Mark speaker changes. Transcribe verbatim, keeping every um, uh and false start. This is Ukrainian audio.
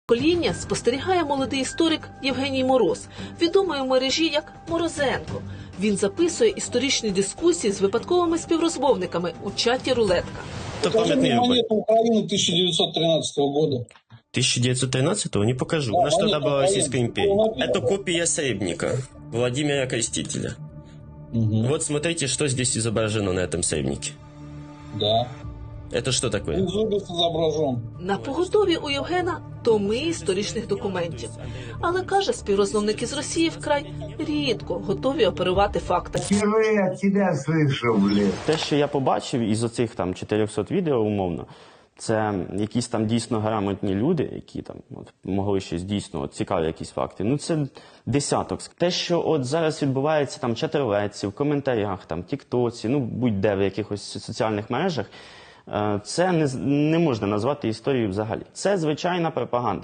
Speaker 1: покоління спостерігає молодий історик Євгеній Мороз, відомий у мережі як Морозенко. Він записує історичні дискусії з випадковими співрозмовниками у чаті «Рулетка».
Speaker 2: Покажи мне монету Украины тысяча девятьсот тринадцатого года.
Speaker 3: тысяча девятьсот тринадцатого не покажу. У нас
Speaker 2: Да,
Speaker 3: тогда
Speaker 2: монета
Speaker 3: была Российская
Speaker 2: Украины.
Speaker 3: империя. Это копия сейбника Владимира Крестителя.
Speaker 2: Угу.
Speaker 3: Вот смотрите, что здесь изображено на этом сейбнике.
Speaker 2: Да.
Speaker 3: Это что такое?
Speaker 2: Зубец изображен.
Speaker 1: На поготові у Євгена томи історичних документів. Але, каже, співрозмовники з Росії вкрай рідко готові оперувати фактами.
Speaker 4: Впервые от тебя слышу, блин.
Speaker 5: Те, що я побачив із оцих там чотирьохсот відео, умовно, це якісь там дійсно грамотні люди, які там от, могли щось дійсно от, цікаві якісь факти. Ну це десяток. Те, що от зараз відбувається там в чатерлетці, в коментарях, там, тіктоці, ну будь-де в якихось соціальних мережах, е, це не, не можна назвати історією взагалі. Це звичайна пропаганда.